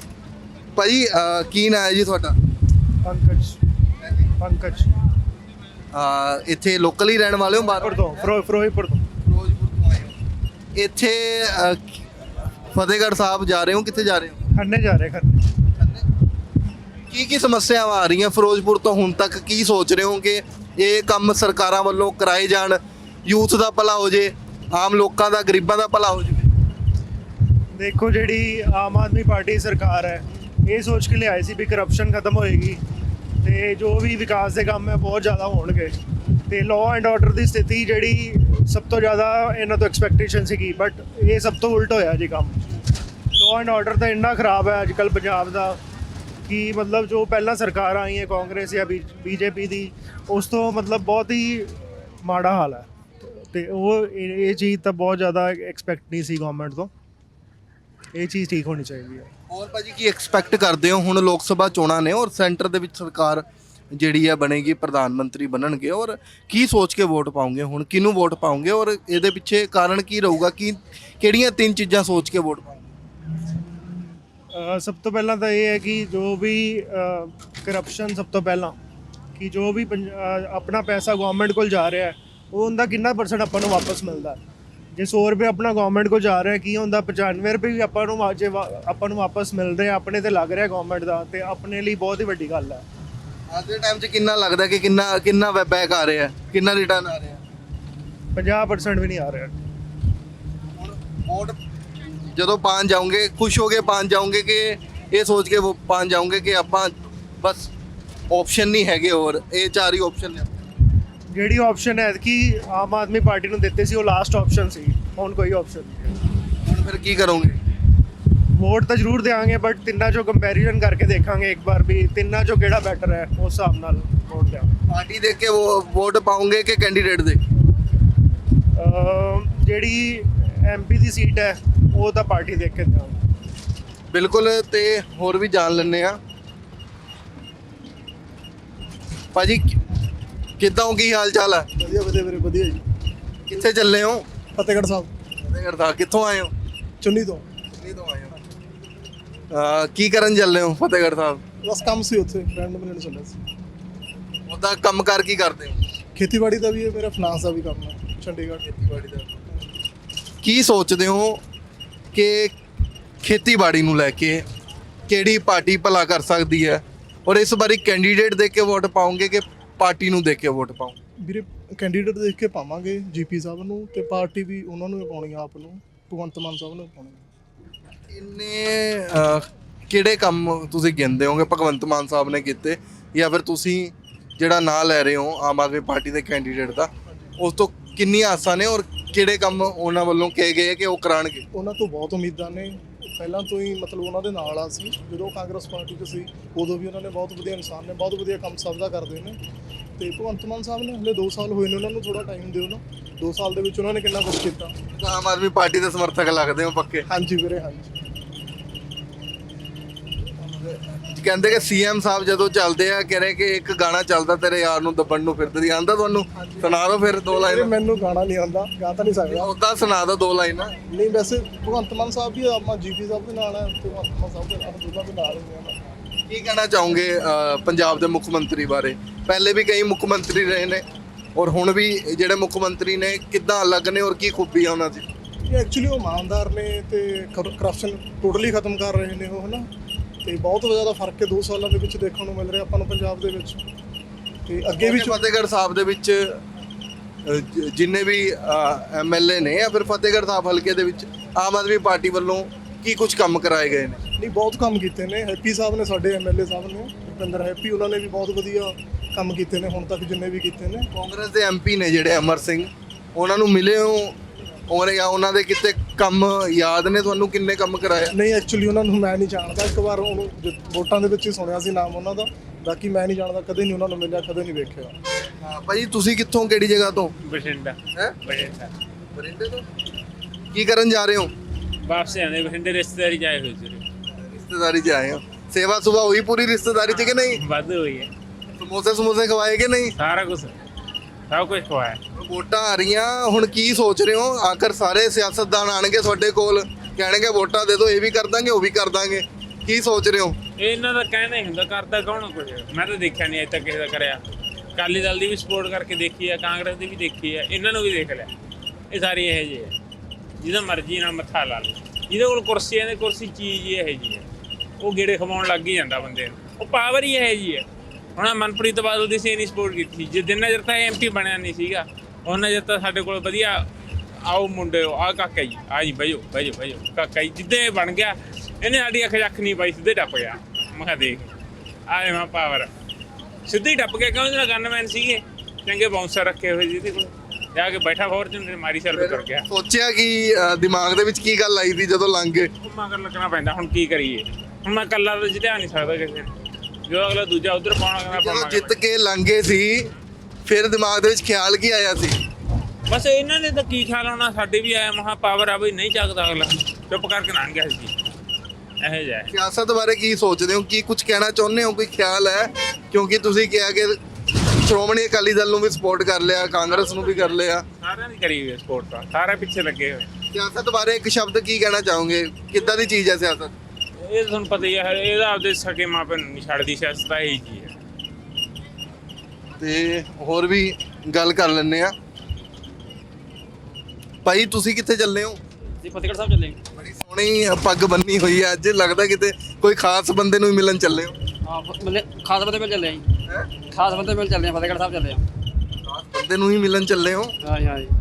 S1: ਭਾਈ ਅਹ, ਕੀ ਨਾਂ ਹੈ ਜੀ ਤੁਹਾਡਾ?
S4: ਪੰਕਜ ਪੰਕਜ
S1: ਅਹ, ਇੱਥੇ ਲੋਕਲ ਹੀ ਰਹਿਣ ਵਾਲੇ ਹੋ? ਬਾਹਰ
S4: ਤੋਂ ਫਿਰੋ- ਫਿਰੋਜ਼ਪੁਰ ਤੋਂ।
S1: ਫਿਰੋਜ਼ਪੁਰ ਤੋਂ ਆਏ ਹੋ। ਇੱਥੇ ਅਹ, ਫਤਿਹਗੜ੍ਹ ਸਾਹਿਬ ਜਾ ਰਹੇ ਹੋ, ਕਿੱਥੇ ਜਾ ਰਹੇ ਹੋ?
S4: ਖੰਨੇ ਜਾ ਰਹੇ ਖੰਨੇ।
S1: ਕੀ ਕੀ ਸਮੱਸਿਆਵਾਂ ਆ ਰਹੀਆਂ ਫਿਰੋਜ਼ਪੁਰ ਤੋਂ ਹੁਣ ਤੱਕ? ਕੀ ਸੋਚ ਰਹੇ ਹੋ ਕਿ ਇਹ ਕੰਮ ਸਰਕਾਰਾਂ ਵੱਲੋਂ ਕਰਾਏ ਜਾਣ, ਯੂਥ ਦਾ ਭਲਾ ਹੋ ਜੇ, ਆਮ ਲੋਕਾਂ ਦਾ, ਗਰੀਬਾਂ ਦਾ ਭਲਾ ਹੋ ਜਾਵੇ?
S4: ਦੇਖੋ, ਜਿਹੜੀ ਆਮ ਆਦਮੀ ਪਾਰਟੀ ਸਰਕਾਰ ਹੈ ਇਹ ਸੋਚ ਕੇ ਲਿਆਈ ਸੀ ਵੀ ਕਰਪਸ਼ਨ ਖਤਮ ਹੋਏਗੀ ਤੇ ਜੋ ਵੀ ਵਿਕਾਸ ਦੇ ਕੰਮ ਹੈ ਬਹੁਤ ਜ਼ਿਆਦਾ ਹੋਣਗੇ ਤੇ ਲਾਅ ਐਂਡ ਆਰਡਰ ਦੀ ਸਥਿਤੀ ਜਿਹੜੀ ਸਭ ਤੋਂ ਜ਼ਿਆਦਾ ਇਹਨਾਂ ਤੋਂ ਐਕਸਪੈਕਟੇਸ਼ਨ ਸੀਗੀ, ਬਟ ਇਹ ਸਭ ਤੋਂ ਉਲਟ ਹੋਇਆ ਜੀ ਕੰਮ। ਲਾਅ ਐਂਡ ਆਰਡਰ ਤਾਂ ਇੰਨਾ ਖਰਾਬ ਹੈ ਅੱਜ ਕੱਲ੍ਹ ਪੰਜਾਬ ਦਾ ਕਿ ਮਤਲਬ ਜੋ ਪਹਿਲਾਂ ਸਰਕਾਰਾਂ ਆਈਆਂ ਕਾਂਗਰਸ ਜਾਂ ਬੀਜੇਪੀ ਦੀ, ਉਸ ਤੋਂ ਮਤਲਬ ਬਹੁਤ ਹੀ ਮਾੜਾ ਹਾਲ ਹੈ ਤੇ ਉਹ ਇਹ ਇਹ ਚੀਜ਼ ਤਾਂ ਬਹੁਤ ਜ਼ਿਆਦਾ ਐਕਸਪੈਕਟ ਨਹੀਂ ਸੀ ਗਵਰਨਮੈਂਟ ਤੋਂ। ਇਹ ਚੀਜ਼ ਠੀਕ ਹੋਣੀ ਚਾਹੀਦੀ ਹੈ।
S1: ਹੋਰ ਭਾਜੀ ਕੀ ਐਕਸਪੈਕਟ ਕਰਦੇ ਹੋ? ਹੁਣ ਲੋਕ ਸਭਾ ਚੋਣਾਂ ਨੇ ਔਰ ਸੈਂਟਰ ਦੇ ਵਿੱਚ ਸਰਕਾਰ ਜਿਹੜੀ ਹੈ ਬਣੇਗੀ, ਪ੍ਰਧਾਨ ਮੰਤਰੀ ਬਣਨਗੇ, ਔਰ ਕੀ ਸੋਚ ਕੇ ਵੋਟ ਪਾਉਂਗੇ? ਹੁਣ ਕਿਹਨੂੰ ਵੋਟ ਪਾਉਂਗੇ ਔਰ ਇਹਦੇ ਪਿੱਛੇ ਕਾਰਨ ਕੀ ਰਹੂਗਾ? ਕੀ ਕਿਹੜੀਆਂ ਤਿੰਨ ਚੀਜ਼ਾਂ ਸੋਚ ਕੇ ਵੋਟ ਪਾਉਂਗੇ?
S4: ਅ, ਸਭ ਤੋਂ ਪਹਿਲਾਂ ਤਾਂ ਇਹ ਹੈ ਕਿ ਜੋ ਵੀ ਕਰਪਸ਼ਨ, ਸਭ ਤੋਂ ਪਹਿਲਾਂ ਕਿ ਜੋ ਵੀ ਪੰਜ- ਅ, ਆਪਣਾ ਪੈਸਾ ਗਵਰਨਮੈਂਟ ਕੋਲ ਜਾ ਰਿਹਾ ਹੈ ਉਹ ਉਹਦਾ ਕਿੰਨਾ ਪਰਸੈਂਟ ਆਪਾਂ ਨੂੰ ਵਾਪਸ ਮਿਲਦਾ। ਜੇ ਸੌ ਰੁਪਏ ਆਪਣਾ ਗਵਰਨਮੈਂਟ ਕੋਲ ਜਾ ਰਿਹਾ ਕੀ ਹੁੰਦਾ, ਪਚਾਨਵੇਂ ਰੁਪਏ ਵੀ ਆਪਾਂ ਨੂੰ ਜੇ ਵਾ- ਆਪਾਂ ਨੂੰ ਵਾਪਸ ਮਿਲ ਰਿਹਾ, ਆਪਣੇ ਤੇ ਲੱਗ ਰਿਹਾ ਗਵਰਨਮੈਂਟ ਦਾ, ਤੇ ਆਪਣੇ ਲਈ ਬਹੁਤ ਹੀ ਵੱਡੀ ਗੱਲ ਹੈ।
S1: ਅੱਜ ਦੇ ਟਾਈਮ 'ਚ ਕਿੰਨਾ ਲੱਗਦਾ ਕਿ ਕਿੰਨਾ ਕਿੰਨਾ ਬੈਕ ਆ ਰਿਹਾ, ਕਿੰਨਾ ਰਿਟਰਨ ਆ ਰਿਹਾ?
S4: ਪੰਜਾਹ ਪਰਸੈਂਟ ਵੀ ਨਹੀਂ ਆ ਰਿਹਾ।
S1: ਹੁਣ ਵੋਟ ਜਦੋਂ ਪਾਣ ਜਾਓਗੇ, ਖੁਸ਼ ਹੋ ਕੇ ਪਾਣ ਜਾਓਗੇ ਕਿ ਇਹ ਸੋਚ ਕੇ ਵੋ ਪਾਣ ਜਾਓਗੇ ਕਿ ਆਪਾਂ ਬਸ ਆਪਸ਼ਨ ਨਹੀਂ ਹੈਗੇ ਹੋਰ, ਇਹ ਚਾਰ ਹੀ ਆਪਸ਼ਨ ਨੇ?
S4: ਜਿਹੜੀ ਆਪਸ਼ਨ ਹੈ ਕਿ ਆਮ ਆਦਮੀ ਪਾਰਟੀ ਨੂੰ ਦਿੱਤੇ ਸੀ ਉਹ ਲਾਸਟ ਆਪਸ਼ਨ ਸੀ, ਹੁਣ ਕੋਈ ਆਪਸ਼ਨ ਨਹੀਂ।
S1: ਹੁਣ ਫਿਰ ਕੀ ਕਰੋਗੇ?
S4: ਵੋਟ ਤਾਂ ਜ਼ਰੂਰ ਦੇਵਾਂਗੇ, ਬਟ ਤਿੰਨਾਂ ਚੋਂ ਕੰਪੈਰੀਜ਼ਨ ਕਰਕੇ ਦੇਖਾਂਗੇ ਇੱਕ ਵਾਰ ਵੀ ਤਿੰਨਾਂ ਚੋਂ ਕਿਹੜਾ ਬੈਟਰ ਹੈ, ਉਸ ਹਿਸਾਬ ਨਾਲ ਵੋਟ ਦੇਵਾਂਗੇ।
S1: ਪਾਰਟੀ ਦੇਖ ਕੇ ਉਹ ਵੋਟ ਪਾਉਂਗੇ ਕਿ ਕੈਂਡੀਡੇਟ ਦੇ?
S4: ਅਮ ਜਿਹੜੀ ਐਮਪੀ ਦੀ ਸੀਟ ਹੈ ਉਹ ਤਾਂ ਪਾਰਟੀ ਦੇਖ ਕੇ ਦੇਵਾਂਗੇ।
S1: ਬਿਲਕੁਲ। ਤੇ ਹੋਰ ਵੀ ਜਾਣ ਲੈਂਦੇ ਆ। ਭਾਜੀ ਕਿੱਦਾਂ ਹੋ, ਕੀ ਹਾਲ ਚਾਲ ਹੈ?
S4: ਵਧੀਆ ਵਧੀਆ ਵੀਰੇ, ਵਧੀਆ ਜੀ।
S1: ਕਿੱਥੇ ਚੱਲੇ ਹੋ?
S4: ਫਤਿਹਗੜ੍ਹ ਸਾਹਿਬ,
S1: ਫਤਿਹਗੜ੍ਹ ਸਾਹਿਬ। ਕਿੱਥੋਂ ਆਏ ਹੋ?
S4: ਚੁੰਨੀ ਤੋਂ।
S1: ਦਿੱਲੀ ਤੋਂ ਆਏ ਹੋ। ਅਹ ਕੀ ਕਰਨ ਚੱਲੇ ਹੋ ਫਤਿਹਗੜ੍ਹ ਸਾਹਿਬ?
S4: ਬਸ ਕੰਮ ਸੀ ਉੱਥੇ, ਫਰੈਂਡ ਮਿਲਣ ਚੱਲਿਆ ਸੀ।
S1: ਉਹਦਾ ਕੰਮਕਾਰ ਕੀ ਕਰਦੇ ਹੋ?
S4: ਖੇਤੀਬਾੜੀ ਦਾ ਵੀ ਹੈ ਮੇਰਾ, ਫਾਈਨਾਂਸ ਦਾ ਵੀ ਕੰਮ ਹੈ, ਚੰਡੀਗੜ੍ਹ।
S1: ਖੇਤੀਬਾੜੀ ਦਾ। ਕੀ ਸੋਚਦੇ ਹੋ ਕਿ ਖੇਤੀਬਾੜੀ ਨੂੰ ਲੈ ਕੇ ਕਿਹੜੀ ਪਾਰਟੀ ਭਲਾ ਕਰ ਸਕਦੀ ਹੈ ਔਰ ਇਸ ਵਾਰੀ ਕੈਂਡੀਡੇਟ ਦੇਖ ਕੇ ਵੋਟ ਪਾਉਂਗੇ ਕਿ ਪਾਰਟੀ ਨੂੰ ਦੇਖ ਕੇ ਵੋਟ ਪਾਉਂ?
S4: ਵੀਰੇ ਕੈਂਡੀਡੇਟ ਦੇਖ ਕੇ ਪਾਵਾਂਗੇ ਜੀਪੀ ਸਾਹਿਬ ਨੂੰ, ਤੇ ਪਾਰਟੀ ਵੀ ਉਹਨਾਂ ਨੂੰ ਹੀ ਪਾਉਣੀ ਆ, ਆਪ ਨੂੰ ਭਗਵੰਤ ਮਾਨ ਸਾਹਿਬ ਨੂੰ ਪਾਉਣੀ।
S1: ਇੰਨੇ ਅਹ, ਕਿਹੜੇ ਕੰਮ ਤੁਸੀਂ ਗਿਣਦੇ ਹੋਗੇ ਭਗਵੰਤ ਮਾਨ ਸਾਹਿਬ ਨੇ ਕੀਤੇ, ਜਾਂ ਫਿਰ ਤੁਸੀਂ ਜਿਹੜਾ ਨਾਂ ਲੈ ਰਹੇ ਹੋ ਆਮ ਆਦਮੀ ਪਾਰਟੀ ਦੇ ਕੈਂਡੀਡੇਟ ਦਾ, ਉਸ ਤੋਂ ਕਿੰਨੀਆਂ ਆਸਾਂ ਨੇ ਔਰ ਕਿਹੜੇ ਕੰਮ ਉਹਨਾਂ ਵੱਲੋਂ ਕਹੇ ਗਏ ਕਿ ਉਹ ਕਰਾਉਣਗੇ?
S4: ਉਹਨਾਂ ਤੋਂ ਬਹੁਤ ਉਮੀਦਾਂ ਨੇ, ਪਹਿਲਾਂ ਤੋਂ ਹੀ ਮਤਲਬ ਉਹਨਾਂ ਦੇ ਨਾਲ ਆ ਸੀ, ਜਦੋਂ ਕਾਂਗਰਸ ਪਾਰਟੀ 'ਚ ਸੀ ਉਦੋਂ ਵੀ ਉਹਨਾਂ ਨੇ ਬਹੁਤ ਵਧੀਆ ਇਨਸਾਨ ਨੇ, ਬਹੁਤ ਵਧੀਆ ਕੰਮ ਸਭ ਦਾ ਕਰਦੇ ਨੇ। ਤੇ ਭਗਵੰਤ ਮਾਨ ਸਾਹਿਬ ਨੇ ਹਲੇ ਦੋ ਸਾਲ ਹੋਏ ਨੇ, ਉਹਨਾਂ ਨੂੰ ਥੋੜਾ ਟਾਈਮ ਦਿਓ ਨਾ, ਦੋ ਸਾਲ ਦੇ ਵਿੱਚ ਉਹਨਾਂ ਨੇ ਕਿੰਨਾ ਕੁਛ ਕੀਤਾ।
S1: ਆਮ ਆਦਮੀ ਪਾਰਟੀ ਦੇ ਸਮਰਥਕ ਲੱਗਦੇ ਹੋ ਪੱਕੇ?
S4: ਹਾਂਜੀ ਵੀਰੇ, ਹਾਂਜੀ।
S1: ਕਹਿੰਦੇ ਕਿ ਸੀਐਮ ਸਾਹਿਬ ਜਦੋਂ ਚੱਲਦੇ ਆ ਕਹਿ ਰਹੇ ਕਿ ਇੱਕ ਗਾਣਾ ਚੱਲਦਾ ਤੇਰੇ ਯਾਰ ਨੂੰ ਦੱਬਣ ਨੂੰ ਫਿਰਦੀ, ਆਂਦਾ ਤੁਹਾਨੂੰ? ਸੁਣਾ ਦਿਓ ਫਿਰ ਦੋ ਲਾਈਨਾਂ।
S4: ਮੈਨੂੰ ਗਾਣਾ ਨਹੀਂ ਆਉਂਦਾ, ਗਾ ਤਾਂ ਨਹੀਂ ਸਕਦਾ।
S1: ਉਦਾਂ ਸੁਣਾ ਦਿਓ ਦੋ ਲਾਈਨਾਂ।
S4: ਨਹੀਂ, ਵੈਸੇ ਭਗਵੰਤ ਮਾਨ ਸਾਹਿਬ ਵੀ ਆਪਾਂ ਜੀਪੀ ਸਾਹਿਬ ਦੇ ਨਾਲ ਹੈ ਤੇ ਭਗਵੰਤ ਮਾਨ ਸਾਹਿਬ ਦੇ ਨਾਲ, ਦੋਨਾਂ ਦੇ ਨਾਲ ਹੀ ਆ।
S1: ਕੀ ਕਹਿਣਾ ਚਾਹੋਗੇ ਅਹ, ਪੰਜਾਬ ਦੇ ਮੁੱਖ ਮੰਤਰੀ ਬਾਰੇ? ਪਹਿਲੇ ਵੀ ਕਈ ਮੁੱਖ ਮੰਤਰੀ ਰਹੇ ਨੇ ਔਰ ਹੁਣ ਵੀ ਜਿਹੜੇ ਮੁੱਖ ਮੰਤਰੀ ਨੇ ਕਿੱਦਾਂ ਅਲੱਗ ਨੇ ਔਰ ਕੀ ਖੂਬੀ ਆ ਉਹਨਾਂ 'ਚ?
S4: ਇਹ ਐਕਚੁਅਲੀ ਉਹ ਇਮਾਨਦਾਰ ਨੇ ਤੇ ਕਰਪਸ਼ਨ ਟੋਟਲੀ ਖਤਮ ਕਰ ਰਹੇ ਨੇ ਉਹ, ਹਨਾ। ਤੇ ਬਹੁਤ ਜ਼ਿਆਦਾ ਫਰਕ ਹੈ ਦੋ ਸਾਲਾਂ ਦੇ ਵਿੱਚ ਦੇਖਣ ਨੂੰ ਮਿਲ ਰਿਹਾ ਆਪਾਂ ਨੂੰ ਪੰਜਾਬ ਦੇ ਵਿੱਚ। ਤੇ ਅੱਗੇ ਵੀ
S1: ਫਤਿਹਗੜ੍ਹ ਸਾਹਿਬ ਦੇ ਵਿੱਚ ਅਹ, ਜ- ਜਿੰਨੇ ਵੀ ਐਮਐਲਏ ਨੇ ਜਾਂ ਫਿਰ ਫਤਿਹਗੜ੍ਹ ਸਾਹਿਬ ਹਲਕੇ ਦੇ ਵਿੱਚ ਆਮ ਆਦਮੀ ਪਾਰਟੀ ਵੱਲੋਂ ਕੀ ਕੁਝ ਕੰਮ ਕਰਾਏ ਗਏ ਨੇ?
S4: ਨਹੀਂ, ਬਹੁਤ ਕੰਮ ਕੀਤੇ ਨੇ। ਹੈਪੀ ਸਾਹਿਬ ਨੇ, ਸਾਡੇ ਐਮਐਲਏ ਸਾਹਿਬ ਨੇ, ਭੁਪਿੰਦਰ ਹੈਪੀ, ਉਹਨਾਂ ਨੇ ਵੀ ਬਹੁਤ ਵਧੀਆ ਕੰਮ ਕੀਤੇ ਨੇ ਹੁਣ ਤੱਕ ਜਿੰਨੇ ਵੀ ਕੀਤੇ ਨੇ।
S1: ਕਾਂਗਰਸ ਦੇ ਐਮਪੀ ਨੇ ਜਿਹੜੇ ਅਮਰ ਸਿੰਘ, ਉਹਨਾਂ ਨੂੰ ਮਿਲੇ ਹੋ ਔਰ ਜਾਂ ਉਹਨਾਂ ਦੇ ਕਿਤੇ ਕੰਮ ਯਾਦ ਨੇ ਤੁਹਾਨੂੰ, ਕਿੰਨੇ ਕੰਮ ਕਰਾਏ?
S4: ਨਹੀਂ, ਐਕਚੁਅਲੀ ਉਹਨਾਂ ਨੂੰ ਮੈਂ ਨਹੀਂ ਜਾਣਦਾ, ਇੱਕ ਵਾਰ ਉਹਨੂੰ ਜ- ਵੋਟਾਂ ਦੇ ਵਿੱਚ ਹੀ ਸੁਣਿਆ ਸੀ ਨਾਮ ਉਹਨਾਂ ਦਾ, ਬਾਕੀ ਮੈਂ ਨਹੀਂ ਜਾਣਦਾ, ਕਦੇ ਨਹੀਂ ਉਹਨਾਂ ਨੂੰ ਮਿਲਿਆ, ਕਦੇ ਨਹੀਂ ਵੇਖਿਆ।
S1: ਹਾਂ ਭਾਈ, ਤੁਸੀਂ ਕਿੱਥੋਂ, ਕਿਹੜੀ ਜਗ੍ਹਾ ਤੋਂ?
S11: ਬਠਿੰਡਾ।
S1: ਹੈ
S11: ਬਠਿੰਡਾ।
S1: ਬਰਿੰਦੇ ਤੋਂ? ਕੀ ਕਰਨ ਜਾ ਰਹੇ ਹੋ?
S11: ਵਾਪਸ ਆਉਂਦੇ ਬਠਿੰਡੇ, ਰਿਸ਼ਤੇਦਾਰੀ ਜਾਏ ਹੋਏ ਸੀ।
S1: ਰਿਸ਼ਤੇਦਾਰੀ 'ਚ ਆਏ ਹੋ। ਸੇਵਾ ਸੁਭਾ ਹੋਈ ਪੂਰੀ ਰਿਸ਼ਤੇਦਾਰੀ 'ਚ ਕਿ ਨਹੀਂ?
S11: ਵੱਧ ਹੋਈ ਹੈ,
S1: ਸਮੋਸੇ ਸਮੋਸੇ ਖਵਾਏ ਕਿ ਨਹੀਂ?
S11: ਸਾਰਾ ਕੁਝ ਸਭ ਕੁਝ ਖਵਾਇਆ।
S1: ਵੋਟਾਂ ਆ ਰਹੀਆਂ, ਹੁਣ ਕੀ ਸੋਚ ਰਹੇ ਹੋ? ਆਖਰ ਸਾਰੇ ਸਿਆਸਤਦਾਨ ਆਣਗੇ ਤੁਹਾਡੇ ਕੋਲ, ਕਹਿਣਗੇ ਵੋਟਾਂ ਦੇ ਦਿਓ, ਇਹ ਵੀ ਕਰ ਦਾਂਗੇ ਉਹ ਵੀ ਕਰ ਦਾਂਗੇ, ਕੀ ਸੋਚ ਰਹੇ ਹੋ?
S11: ਇਹ ਇਹਨਾਂ ਦਾ ਕਹਿਣਾ ਹੀ ਹੁੰਦਾ, ਕਰਦਾ ਕੌਣ ਕੁਝ? ਮੈਂ ਤਾਂ ਦੇਖਿਆ ਨਹੀਂ ਅਜੇ ਤੱਕ ਕਿਸੇ ਦਾ ਕਰਿਆ। ਅਕਾਲੀ ਦਲ ਦੀ ਵੀ ਸਪੋਰਟ ਕਰਕੇ ਦੇਖੀ ਆ, ਕਾਂਗਰਸ ਦੀ ਵੀ ਦੇਖੀ ਆ, ਇਹਨਾਂ ਨੂੰ ਵੀ ਦੇਖ ਲਿਆ। ਇਹ ਸਾਰੀ ਇਹੋ ਜਿਹੇ ਆ ਜਿਹਦਾ ਮਰਜ਼ੀ ਨਾਲ ਮੱਥਾ ਲਾ ਲਓ, ਜਿਹਦੇ ਕੋਲ ਕੁਰਸੀ ਹੈ, ਕੁਰਸੀ ਚੀਜ਼ ਹੀ ਇਹੋ ਜਿਹੀ ਹੈ। ਉਹ ਗੇੜੇ ਖਵਾਉਣ ਲੱਗ ਹੀ ਜਾਂਦਾ ਬੰਦੇ ਨੂੰ। ਉਹ ਪਾਵਰ ਹੀ ਇਹ ਜੀ ਹੈ। ਹੁਣ ਆਹ ਮਨਪ੍ਰੀਤ ਬਾਦਲ ਦੀ ਸੀ ਨਹੀਂ ਸਪੋਰਟ ਕੀਤੀ, ਜੇ ਜਿੰਨਾ ਚਿਰ ਤਾਂ ਐਮ ਪੀ ਬਣਿਆ ਨਹੀਂ ਸੀਗਾ ਉਹਨਾਂ ਚਿਰ ਤਾਂ ਸਾਡੇ ਕੋਲ ਵਧੀਆ ਆਓ ਮੁੰਡੇ ਆਹ ਕਾਕਾ ਜੀ ਆ ਜੀ ਬਈਓ ਬਈਓ ਬਈਓ ਕਾਕਾ ਜੀ ਜਿੱਦੇ ਬਣ ਗਿਆ ਇਹਨੇ ਸਾਡੀ ਅੱਖ ਅੱਖ ਨਹੀਂ ਪਾਈ, ਸਿੱਧੇ ਟੱਪ ਗਿਆ। ਮੈਂ ਕਿਹਾ ਦੇਖ ਆਏ ਮੈਂ ਪਾਵਰ ਸਿੱਧੇ ਟੱਪ ਗਿਆ। ਕਿਉਂ ਜਿਹੜਾ ਗਨਮੈਨ ਸੀਗੇ ਚੰਗੇ ਬਾਉਂਸਰ ਰੱਖੇ ਹੋਏ ਜਿਹਦੇ ਕੋਲ ਜਾ ਕੇ ਬੈਠਾ ਫੋਰਚੂਨਰ ਮਾਰੀ ਸਿਰ ਤੁਰ ਗਿਆ।
S1: ਸੋਚਿਆ ਕਿ ਅ, ਦਿਮਾਗ ਦੇ ਵਿੱਚ ਕੀ ਗੱਲ ਆਈ ਸੀ ਜਦੋਂ ਲੰਘ ਗਏ?
S11: ਉਹ ਮਗਰ ਲੱਗਣਾ ਪੈਂਦਾ, ਹੁਣ ਕੀ ਕਰੀਏ। ਹੁਣ ਮੈਂ ਇਕੱਲਾ ਤਾਂ ਜਿੱਤਿਆ ਨਹੀਂ ਸਕਦਾ ਕਿਸੇ ਨੂੰ, ਜੋ ਅਗਲਾ ਦੂਜਾ ਉਧਰ ਪਾਉਣਾ ਕਹਿੰਦਾ
S1: ਜਦੋਂ
S11: ਪਾਉਣਾ
S1: ਜਿੱਤ ਕੇ ਲੰਘੇ ਸੀ ਫਿਰ ਦਿਮਾਗ ਦੇ ਵਿੱਚ ਖਿਆਲ ਕੀ ਆਇਆ ਸੀ?
S11: ਬਸ ਇਹਨਾਂ ਨੇ ਤਾਂ ਕੀ ਖਿਆਲ ਆਉਣਾ, ਸਾਡੇ ਵੀ ਆਇਆ ਮਹਾ ਪਾਵਰ ਆ ਬਈ ਨਹੀਂ ਚੱਕਦਾ ਅਗਲਾ, ਚੁੱਪ ਕਰਕੇ ਲੰਘ ਗਿਆ ਸੀ ਇਹੋ ਜਿਹਾ।
S1: ਸਿਆਸਤ ਬਾਰੇ ਕੀ ਸੋਚਦੇ ਹੋ? ਕੀ ਕੁਝ ਕਹਿਣਾ ਚਾਹੁੰਦੇ ਹੋ? ਕੋਈ ਖਿਆਲ ਹੈ? ਕਿਉਂਕਿ ਤੁਸੀਂ ਕਿਹਾ ਕਿ ਸ਼੍ਰੋਮਣੀ ਅਕਾਲੀ ਦਲ ਨੂੰ ਵੀ ਸਪੋਰਟ ਕਰ ਲਿਆ, ਕਾਂਗਰਸ ਨੂੰ ਵੀ ਕਰ ਲਿਆ,
S11: ਸਾਰਿਆਂ ਦੀ ਕਰੀ ਹੋਈ ਸਪੋਰਟ ਤਾਂ, ਸਾਰੇ ਪਿੱਛੇ ਲੱਗੇ ਹੋਏ।
S1: ਸਿਆਸਤ ਬਾਰੇ ਇੱਕ ਸ਼ਬਦ ਕੀ ਕਹਿਣਾ ਚਾਹੋਗੇ? ਕਿੱਦਾਂ ਦੀ ਚੀਜ਼ ਹੈ ਸਿਆਸਤ?
S11: ਇਹ ਤੁਹਾਨੂੰ ਪਤਾ ਹੀ ਹੈ, ਇਹਦਾ ਆਪਦੇ ਸਕੇ ਮਾਪੇ ਨੂੰ ਨਹੀਂ ਛੱਡਦੀ ਸਿਆਸਤ ਤਾਂ ਇਹੀ ਜੀ ਹੈ।
S1: ਤੇ ਹੋਰ ਵੀ ਗੱਲ ਕਰ ਲੈਂਦੇ ਆ। ਭਾਈ ਤੁਸੀਂ ਕਿੱਥੇ ਚੱਲੇ ਹੋ?
S9: ਜੀ ਫਤਿਹਗੜ੍ਹ ਸਾਹਿਬ ਚੱਲੇ
S1: ਬੜੀ ਸੋਹਣੀ ਪੱਗ ਬੰਨੀ ਹੋਈ ਹੈ ਅੱਜ, ਲੱਗਦਾ ਕਿਤੇ ਕੋਈ ਖਾਸ ਬੰਦੇ ਨੂੰ ਹੀ ਮਿਲਣ ਚੱਲੇ ਹੋ।
S9: ਹਾਂ ਬੰਦੇ ਖਾਸ ਬੰਦੇ ਮਿਲ ਚੱਲੇ ਆ ਜੀ,
S1: ਹੈ
S9: ਖਾਸ ਬੰਦੇ ਮਿਲ ਚੱਲੇ ਆ, ਫਤਿਹਗੜ੍ਹ ਸਾਹਿਬ ਚੱਲੇ ਆ।
S1: ਖਾਸ ਬੰਦੇ ਨੂੰ ਹੀ ਮਿਲਣ ਚੱਲੇ ਹੋ।
S9: ਹਾਂ ਜੀ ਹਾਂ ਜੀ,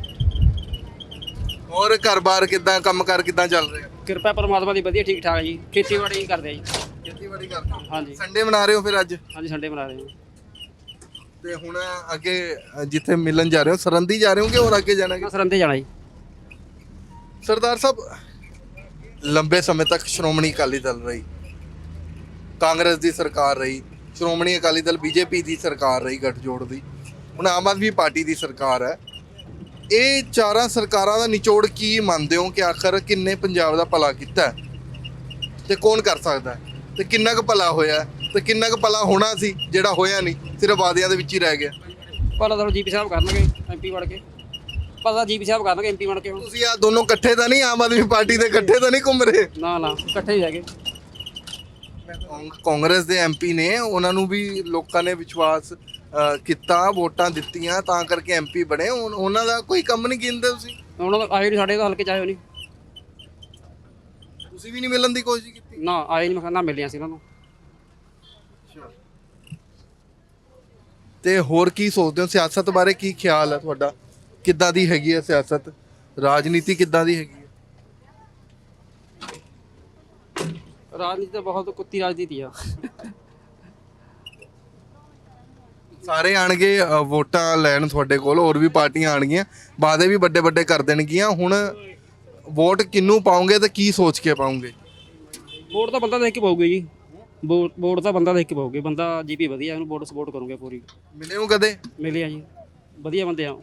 S1: ਹੋਰ ਘਰ-ਬਾਰ ਕਿੱਦਾਂ, ਕੰਮ-ਕਾਰ ਕਿੱਦਾਂ ਚੱਲ ਰਿਹਾ?
S9: ਕਿਰਪਾ ਪਰਮਾਤਮਾ ਦੀ ਵਧੀਆ ਠੀਕ ਠਾਕ ਜੀ। ਖੇਤੀਬਾੜੀ ਕਰਦੇ ਆ ਜੀ।
S1: ਖੇਤੀਬਾੜੀ ਕਰਦੇ ਹੋ?
S9: ਹਾਂਜੀ
S1: ਸੰਡੇ ਮਨਾ ਰਹੇ ਹੋ ਫਿਰ ਅੱਜ?
S9: ਹਾਂਜੀ ਸੰਡੇ ਮਨਾ ਰਹੇ ਹਾਂ।
S1: ਤੇ ਹੁਣ ਅੱਗੇ ਜਿੱਥੇ ਮਿਲਣ ਜਾ ਰਹੇ ਹੋ ਸਰੰਦੀ ਜਾ ਰਹੇ ਹੋ ਕਿ ਹੋਰ ਅੱਗੇ ਜਾਣਾ?
S9: ਮੈਂ ਸਰੰਦੇ ਜਾਣਾ ਜੀ।
S1: ਸਰਦਾਰ ਸਾਹਿਬ, ਲੰਬੇ ਸਮੇਂ ਤੱਕ ਸ਼੍ਰੋਮਣੀ ਅਕਾਲੀ ਦਲ ਰਹੀ, ਕਾਂਗਰਸ ਦੀ ਸਰਕਾਰ ਰਹੀ, ਸ਼੍ਰੋਮਣੀ ਅਕਾਲੀ ਦਲ ਬੀਜੇਪੀ ਦੀ ਸਰਕਾਰ ਰਹੀ ਗੱਠਜੋੜ ਦੀ, ਹੁਣ ਆਮ ਆਦਮੀ ਪਾਰਟੀ ਦੀ ਸਰਕਾਰ ਹੈ। ਇਹ ਚਾਰਾਂ ਸਰਕਾਰਾਂ ਦਾ ਨਿਚੋੜ ਕੀ ਮੰਨਦੇ ਹੋ ਕਿ ਆਖਰ ਕਿੰਨੇ ਪੰਜਾਬ ਦਾ ਭਲਾ ਕੀਤਾ ਹੈ ਤੇ ਕੌਣ ਕਰ ਸਕਦਾ ਹੈ ਤੇ ਕਿੰਨਾ ਕੁ ਭਲਾ ਹੋਇਆ ਤੇ ਕਿੰਨਾ ਕੁ ਭਲਾ ਹੋਣਾ ਸੀ ਜਿਹੜਾ ਹੋਇਆ ਨਹੀਂ, ਸਿਰਫ ਵਾਅਦਿਆਂ ਦੇ ਵਿੱਚ ਹੀ ਰਹਿ ਗਿਆ?
S9: ਭਲਾ ਤਾਂ ਜੀਪੀ ਸਾਹਿਬ ਕਰਨਗੇ ਐਮਪੀ ਬਣ ਕੇ, ਭਲਾ ਜੀਪੀ ਸਾਹਿਬ ਕਰਨਗੇ ਐਮਪੀ ਬਣ ਕੇ। ਹੁਣ
S1: ਤੁਸੀਂ ਆ ਦੋਨੋਂ ਇਕੱਠੇ ਤਾਂ ਨਹੀਂ, ਆਮ ਆਦਮੀ ਪਾਰਟੀ ਦੇ ਇਕੱਠੇ ਤਾਂ ਨਹੀਂ ਘੁੰਮ ਰਹੇ?
S9: ਨਾ ਨਾ ਇਕੱਠੇ ਹੀ ਹੈਗੇ।
S1: ਕਾਂਗ- ਕਾਂਗਰਸ ਦੇ ਐਮਪੀ ਨੇ, ਉਹਨਾਂ ਨੂੰ ਵੀ ਲੋਕਾਂ ਨੇ ਵਿਸ਼ਵਾਸ ਅ, ਕੀਤਾ, ਵੋਟਾਂ ਦਿੱਤੀਆਂ ਤਾਂ ਕਰਕੇ ਐਮਪੀ ਬਣੇ। ਹੁਣ ਉਹਨਾਂ ਦਾ ਕੋਈ ਕੰਮ ਨਹੀਂ ਗਿਣਦੇ ਤੁਸੀਂ?
S9: ਉਹਨਾਂ ਦਾ ਆਏ ਨਹੀਂ ਸਾਡੇ ਤਾਂ ਹਲਕੇ ਚਾਹੇ ਨਹੀਂ,
S1: ਤੁਸੀਂ ਵੀ ਨਹੀਂ ਮਿਲਣ ਦੀ ਕੋਸ਼ਿਸ਼ ਕੀਤੀ?
S9: ਨਾ ਆਏ ਨਹੀਂ, ਮੈਂ ਨਾ ਮਿਲਿਆ ਸੀ ਉਹਨਾਂ ਨੂੰ।
S1: ਤੇ ਹੋਰ ਕੀ ਸੋਚਦੇ ਹੋ? ਸਿਆਸਤ ਬਾਰੇ ਕੀ ਖਿਆਲ ਹੈ ਤੁਹਾਡਾ? ਕਿੱਦਾਂ ਦੀ ਹੈਗੀ ਹੈ ਸਿਆਸਤ, ਰਾਜਨੀਤੀ ਕਿੱਦਾਂ ਦੀ ਹੈਗੀ ਹੈ?
S9: ਰਾਜਨੀਤੀ ਤਾਂ ਬਹੁਤ ਕੁੱਤੀ ਰਾਜਨੀਤੀ ਆ।
S1: ਸਾਰੇ ਆਣਗੇ ਅ, ਵੋਟਾਂ ਲੈਣ ਤੁਹਾਡੇ ਕੋਲ, ਹੋਰ ਵੀ ਪਾਰਟੀਆਂ ਆਣਗੀਆਂ, ਵਾਅਦੇ ਵੀ ਵੱਡੇ ਵੱਡੇ ਕਰ ਦੇਣਗੀਆਂ। ਹੁਣ ਵੋਟ ਕਿਹਨੂੰ ਪਾਉਂਗੇ ਤੇ ਕੀ ਸੋਚ ਕੇ ਪਾਉਂਗੇ?
S9: ਵੋਟ ਤਾਂ ਬੰਦਾ ਦੇਖ ਕੇ ਪਾਊਗੇ ਜੀ, ਵੋਟ ਵੋਟ ਤਾਂ ਬੰਦਾ ਦੇਖ ਕੇ ਪਾਊਗੇ। ਬੰਦਾ ਜੀਪੀ ਵਧੀਆ, ਉਹਨੂੰ ਵੋਟ ਸਪੋਰਟ ਕਰੂਗੇ ਪੂਰੀ।
S1: ਮਿਲੇ ਹੋ ਕਦੇ?
S9: ਮਿਲੇ ਆ ਜੀ, ਵਧੀਆ ਬੰਦੇ ਆ।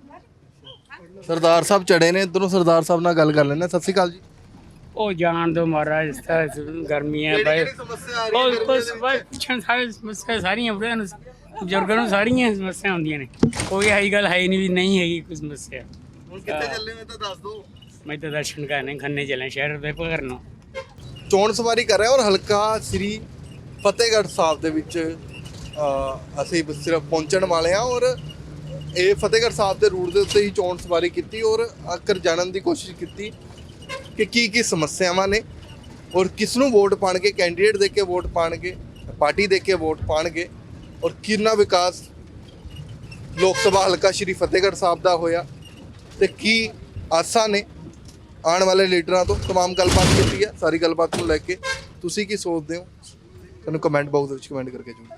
S1: ਸਰਦਾਰ ਸਾਹਿਬ ਚੜੇ ਨੇ ਇੱਧਰੋਂ, ਸਰਦਾਰ ਸਾਹਿਬ ਨਾਲ ਗੱਲ ਕਰ ਲੈਂਦੇ। ਸਤਿ ਸ਼੍ਰੀ ਅਕਾਲ ਜੀ।
S12: ਉਹ ਜਾਣ ਦੋ ਮਹਾਰਾਜ, ਇਸ ਤਰ੍ਹਾਂ ਗਰਮੀਆਂ ਬਾਈ
S1: ਸਮੱਸਿਆ ਆ
S12: ਉਹ ਕੁਛ ਬਾਈ ਪੁੱਛਣ ਸਾਰੇ ਸਮੱਸਿਆ ਸਾਰੀਆਂ ਬੁੜਿਆਂ ਨੂੰ ਬਜ਼ੁਰਗਾਂ ਨੂੰ ਸਾਰੀਆਂ ਸਮੱਸਿਆ ਹੁੰਦੀਆਂ ਨੇ, ਕੋਈ ਇਹੀ ਗੱਲ ਹੈ ਨਹੀਂ ਵੀ ਨਹੀਂ ਹੈਗੀ ਕੋਈ ਸਮੱਸਿਆ।
S1: ਹੁਣ ਕਿੱਥੇ ਚੱਲੇ ਹੋ ਤਾਂ ਦੱਸ ਦਿਓ।
S12: ਮੈਂ ਤਾਂ ਦਰਸ਼ਨ ਕਰਨੇ ਖੰਨੇ ਚੱਲੇ ਸ਼ਹਿਰ ਦੇ ਭਗਰ ਨੂੰ।
S1: ਚੋਣ ਸਵਾਰੀ ਕਰ ਰਿਹਾ ਔਰ ਹਲਕਾ ਸ੍ਰੀ ਫਤਿਹਗੜ੍ਹ ਸਾਹਿਬ ਦੇ ਵਿੱਚ ਅ, ਅਸੀਂ ਸਿਰਫ ਪਹੁੰਚਣ ਵਾਲੇ ਹਾਂ ਔਰ ਇਹ ਫਤਿਹਗੜ੍ਹ ਸਾਹਿਬ ਦੇ ਰੂਟ ਦੇ ਉੱਤੇ ਹੀ ਚੋਣ ਸਵਾਰੀ ਕੀਤੀ ਔਰ ਆਖਰ ਜਾਣਨ ਦੀ ਕੋਸ਼ਿਸ਼ ਕੀਤੀ ਕਿ ਕੀ ਕੀ ਸਮੱਸਿਆਵਾਂ ਨੇ ਔਰ ਕਿਸ ਨੂੰ ਵੋਟ ਪਾਣਗੇ, ਕੈਂਡੀਡੇਟ ਦੇ ਕੇ ਵੋਟ ਪਾਣਗੇ, ਪਾਰਟੀ ਦੇ ਕੇ ਵੋਟ ਪਾਣਗੇ ਔਰ ਕਿੰਨਾ ਵਿਕਾਸ ਲੋਕ ਸਭਾ ਹਲਕਾ ਸ੍ਰੀ ਫਤਿਹਗੜ੍ਹ ਸਾਹਿਬ ਦਾ ਹੋਇਆ ਤੇ ਕੀ ਆਸਾਂ ਨੇ ਆਉਣ ਵਾਲੇ ਲੀਡਰਾਂ ਤੋਂ। ਤਮਾਮ ਗੱਲਬਾਤ ਕੀਤੀ ਹੈ, ਸਾਰੀ ਗੱਲਬਾਤ ਨੂੰ ਲੈ ਕੇ ਤੁਸੀਂ ਕੀ ਸੋਚਦੇ ਹੋ? ਤੁਹਾਨੂੰ ਕਮੈਂਟ ਬਾਕਸ ਦੇ ਵਿੱਚ ਕਮੈਂਟ ਕਰਕੇ ਜਰੂਰ